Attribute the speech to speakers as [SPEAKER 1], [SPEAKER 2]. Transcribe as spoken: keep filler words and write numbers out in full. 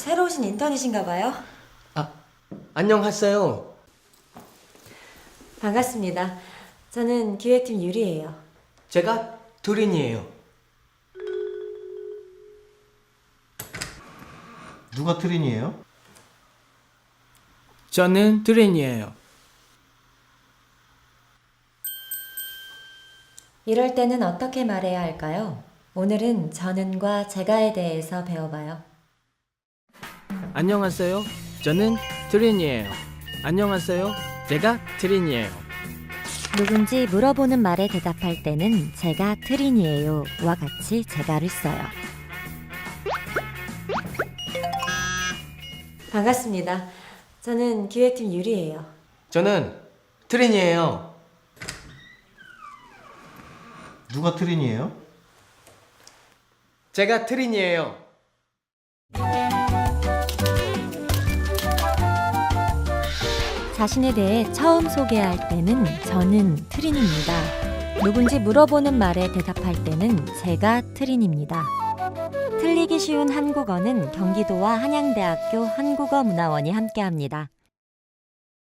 [SPEAKER 1] 새로 오신 인턴이신가 봐요.
[SPEAKER 2] 아, 안녕하세요.
[SPEAKER 1] 반갑습니다. 저는 기획팀 유리예요.
[SPEAKER 2] 제가 두린이에요.
[SPEAKER 3] 누가 트린이에요?
[SPEAKER 2] 저는 두린이에요.
[SPEAKER 1] 이럴 때는 어떻게 말해야 할까요? 오늘은 저는과 제가에 대해서 배워봐요.
[SPEAKER 2] 안녕하세요. 저는 두린이에요. 안녕하세요. 제가 두린이에요.
[SPEAKER 1] 누군지 물어보는 말에 대답할 때는 제가 트린이에요 와 같이 제가를 써요. 반갑습니다. 저는 기획팀 유리예요.
[SPEAKER 2] 저는 두린이에요.
[SPEAKER 3] 누가 트린이에요?
[SPEAKER 2] 제가 두린이에요.
[SPEAKER 1] 자신에 대해 처음 소개할 때는 저는 트린입니다. 누군지 물어보는 말에 대답할 때는 제가 트린입니다. 틀리기 쉬운 한국어는 경기도와 한양대학교 한국어문화원이 함께합니다.